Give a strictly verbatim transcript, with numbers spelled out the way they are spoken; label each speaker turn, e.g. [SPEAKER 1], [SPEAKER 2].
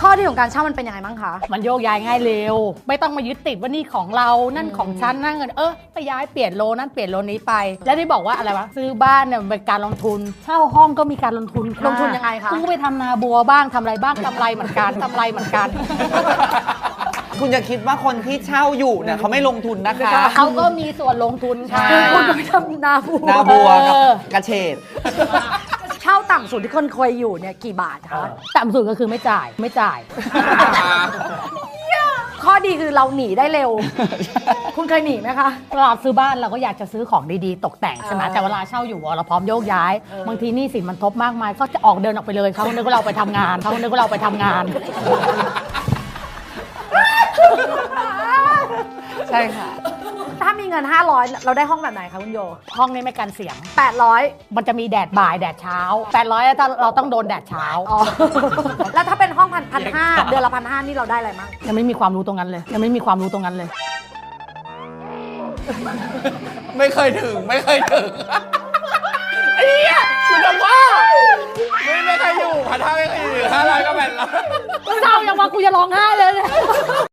[SPEAKER 1] ข้อดีของการเช่ามันเป็นยังไงบ้างคะ
[SPEAKER 2] มันโยกย้ายง่ายเร็วไม่ต้องมายึดติดว่านี่ของเรานั่นของฉันนั่นเงินเออไปย้ายเปลี่ยนโลนั่นเปลี่ยนโลนี้ไปแล้วที่บอกว่าอะไรวะซื้อบ้านเนี่ยมันเป็นการลงทุนเช่าห้องก็มีการลงทุน
[SPEAKER 1] ลงทุนยังไงคะ
[SPEAKER 2] ซื้อไปทำนาบัวบ้างทำอะไรบ้างกำไรเหมือนกันกำไรเหมือนกัน
[SPEAKER 3] คุณจะคิดว่าคนที่เช่าอยู่เนี่ยเขาไม่ลงทุนนะคะ
[SPEAKER 2] เขาก็มีส่วนลงทุนค่ะ
[SPEAKER 1] คุณก็ไปทำนาบัว
[SPEAKER 3] นาบัวกับกระเฉด
[SPEAKER 1] เช่าต่ำสุดที่คนเคยอยู่เนี่ยกี่บาทคะ
[SPEAKER 2] ต่ำสุดก็คือไม่จ่ายไม่จ่าย
[SPEAKER 1] ข้อดีคือเราหนีได้เร็ว คุณเคยหนีไหมคะ
[SPEAKER 2] เวลาซื้อบ้านเราก็อยากจะซื้อของดีๆตกแต่งใช่ไหมแต่เวลาเช่าอยู่เราพร้อมโยกย้ายบางทีหนี้สินมันทบมากมายก็จะออกเดินออกไปเลยเขานึกว่าเราไปทำงานเขานึกว่าเราไปทำงาน
[SPEAKER 3] ใช่ค่ะ
[SPEAKER 1] ถ้ามีเงินห้าร้อยเราได้ห้องแบบไหนคะคุณโย
[SPEAKER 2] ห้องนี้ไม่กันเสียง
[SPEAKER 1] แปดร้อย
[SPEAKER 2] มันจะมีแดดบ่ายแดดเช้าแปดร้อยถ้าเราต้องโดนแดดเช้า
[SPEAKER 1] อ๋อแล้วถ้าเป็นห้องพันพันห้าเดือนละพันห้านี่เราได้อะไรมั้ง
[SPEAKER 2] ยังไม่มีความรู้ตรงนั้นเลยยังไม่มีความรู้ตรงนั้นเลย
[SPEAKER 3] ไม่เคยถึงไม่เคยถึงไอ้เหี้ยคุณจะว่าไม่ไม่เคยอยู่พันห้าไม่เคยอยู่ห้าร้อยก็แปดร้อย
[SPEAKER 2] เศร้าอย่างว่ากูจะร้องไห้เลย